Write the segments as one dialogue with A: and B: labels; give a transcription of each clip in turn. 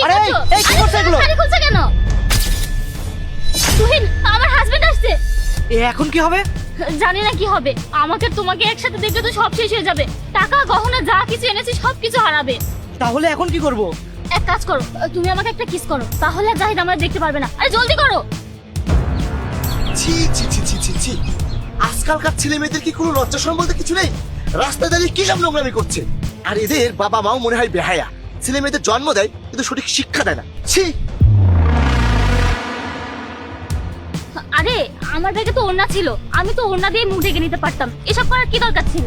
A: আরে এই কি করছ এগুলো?
B: শাড়ি খুলছে কেন? তুহিন, আমার হাজবেন্ড আসছে।
A: এখন কি হবে?
B: জানি না কি হবে। আমাকে তোমাকে একসাথে দেখলে তো সব শেষ হয়ে যাবে। টাকা গহনা যা কিছু এনেছি সবকিছু হারাবে।
A: তাহলে এখন কি করব?
B: এক কাজ করো, তুমি আমাকে একটা কিস করো, তাহলে আর জাহিদ আমায় দেখতে পারবে না। আরে জলদি করো।
C: ছি ছি ছি ছি ছি ছি, আজকালকার ছেলে মেয়েদের কি কোনো লজ্জা শরম বলতে কিছু নেই? রাস্তায় দাঁড়িয়ে কি সব নোংরামি করছে। আর এদের বাবা মাও মনে হয় বেহায়া, ছেলে মেয়েদের জন্ম দেয় কিন্তু সঠিক শিক্ষা দেয় না। ছি।
B: আরে আমার ব্যাগে তো ওড়না ছিল, আমি তো ওড়না দিয়ে মুখ ঢেকে নিতে পারতাম। এসব করার কি দরকার ছিল?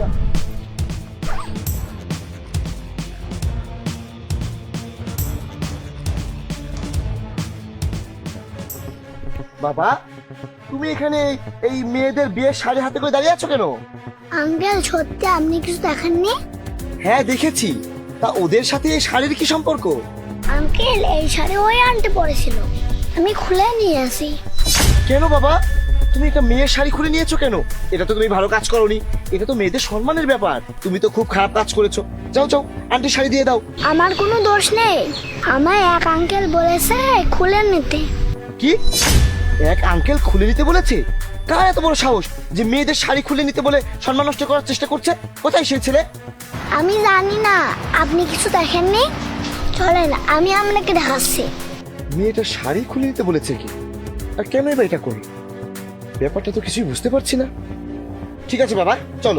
C: বাবা, তুমি এখানে এই মেয়েদের বিয়ের শাড়ি হাতে করে দাঁড়িয়ে আছো কেন?
D: আঙ্কেল, সত্যি আপনি কিছু দেখেননি?
C: হ্যাঁ দেখেছি। তা ওদের সাথে এই শাড়ির কি সম্পর্ক?
D: আঙ্কেল, এই শাড়ি ওই আন্টি পরেছিল, আমি খুলে নিয়ে আসি।
C: কেন বাবা, তুমি একটা মেয়ের শাড়ি খুলে নিয়েছো কেন? এটা তো তুমি ভালো কাজ করোনি, এটা তো মেয়েদের সম্মানের ব্যাপার। তুমি তো খুব খারাপ কাজ করেছো। যাও যাও, আন্টি শাড়ি দিয়ে দাও।
D: আমার কোনো দোষ নেই, আমায় এক আঙ্কেল বলেছে খুলে নিতে।
C: কি? এক আঙ্কেল খুলে নিতে বলেছে? কার এত বড় সাহস যে মেয়েদের শাড়ি খুলে নিতে বলে সম্মান নষ্ট করার চেষ্টা করছে? কোথায় সেই ছেলে?
D: আমি জানি না, আপনি কিছু দেখেননি? চলেন আমি আপনাকে দেখাচ্ছি।
C: মেয়েটা শাড়ি খুলে নিতে বলেছে কি? আর কেন বা এটা করি? ব্যাপারটা তো কিছুই বুঝতে পারছি না। ঠিক আছে বাবা, চলো।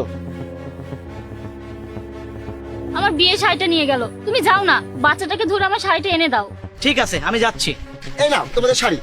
B: আমার বিয়ের শাড়িটা নিয়ে গেল। তুমি যাও না, বাচ্চাটাকে ধরে আমার শাড়িটা এনে দাও।
A: ঠিক আছে, আমি যাচ্ছি।
C: এই নাও তোমাদের শাড়ি।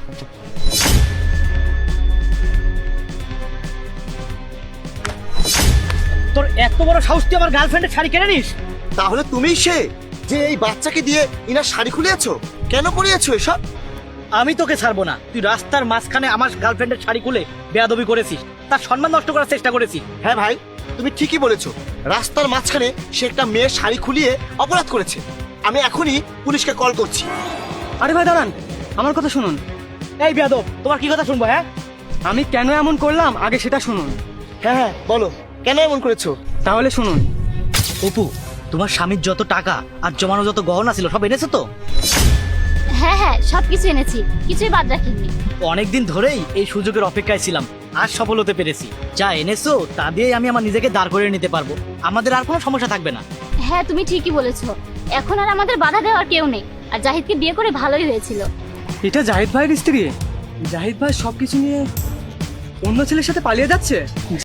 A: তোর এত বড় সাহস, তুই আমার গার্লফ্রেন্ডের শাড়ি কেড়ে নিস?
C: তাহলে তুমিই সে যে এই বাচ্চাকে দিয়ে ইনার শাড়ি খুলিয়েছো? কেন করিয়েছো এসব?
A: আমি তোকে ছাড়বো না। তুই রাস্তার মাঝখানে আমার গার্লফ্রেন্ডের শাড়ি খুলে বেয়াদবি করেছিস, তার সম্মান নষ্ট করার চেষ্টা করেছিস।
C: হ্যাঁ ভাই, তুমি ঠিকই বলেছো। রাস্তার মাঝখানে সে একটা মেয়ের শাড়ি খুলিয়ে অপরাধ করেছে। আমি এখনই পুলিশকে কল করছি।
E: আরে ভাই দাঁড়ান, আমার কথা শুনুন।
A: এই বেয়াদব, তোমার কি কথা শুনবো? হ্যাঁ,
E: আমি কেন এমন করলাম আগে সেটা শুনুন।
C: হ্যাঁ হ্যাঁ বলো, কেন এমন করেছো?
E: তাহলে শুনুন।
A: অপু, তোমার স্বামীর যত টাকা আর জমানো যত গহনা ছিল সব এনেছো তো?
B: হ্যাঁ হ্যাঁ, সবকিছু এনেছি, কিছুই বাদ রাখিনি।
A: অনেকদিন ধরেই এই সুযোগের অপেক্ষায় ছিলাম, আজ সফল হতে পেরেছি। যা এনেছো তা দিয়ে আমি আমার নিজেকে দাঁড় করিয়ে নিতে পারবো। আমাদের আর কোনো সমস্যা থাকবে না।
B: হ্যাঁ, তুমি ঠিকই বলেছো। এখন আর আমাদের বাধা দেওয়ার কেউ নেই। আর জাহিদকে বিয়ে করে ভালোই হয়েছিল।
E: এটা জাহিদ ভাইয়ের স্ত্রী? জাহিদ ভাই সবকিছু নিয়ে অন্য ছেলের সাথে পালিয়ে যাচ্ছে?